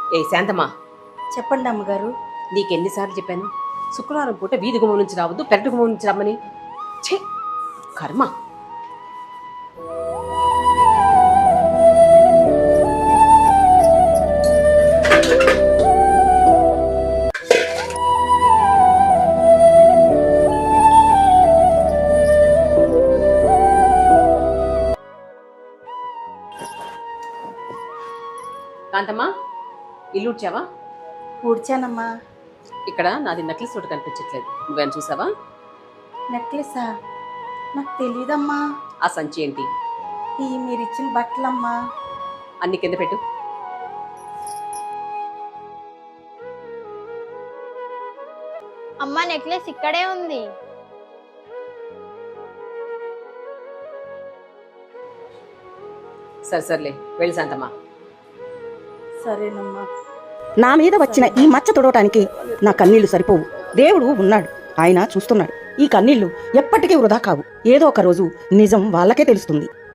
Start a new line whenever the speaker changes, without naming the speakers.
ఏ శాంతమ్మా,
చెప్పండి అమ్మగారు.
నీకెన్నిసార్లు చెప్పాను శుక్రవారం పూట వీధి గుమ్మం నుంచి రావద్దు, పెరటి గుమ్మం నుంచి రమ్మని. ఛీ, కర్మ. కాంతమ్మా, ఇల్లు ఉడ్చావా?
ఊడ్చానమ్మా.
ఇక్కడ నాది నక్లెస్ ఒకటి కనిపించట్లేదు, నువ్వేం చూసావా?
నెక్లెసా? నాకు తెలీదమ్మా.
ఆ సంచి ఏంటి?
ఈ మీరిచ్చిన బట్టలమ్మా.
అన్ని కింద పెట్టు.
అమ్మ నెక్లెస్ ఇక్కడే ఉంది.
సర్లే వెళ్ళి శాంతమ్మా.
సరేనమ్మా.
నా మీద వచ్చిన ఈ మచ్చ తుడవటానికి నా కన్నీళ్లు సరిపోవు. దేవుడు ఉన్నాడు, ఆయన చూస్తున్నాడు. ఈ కన్నీళ్లు ఎప్పటికీ వృధా కావు. ఏదో ఒక రోజు నిజం వాళ్ళకే తెలుస్తుంది.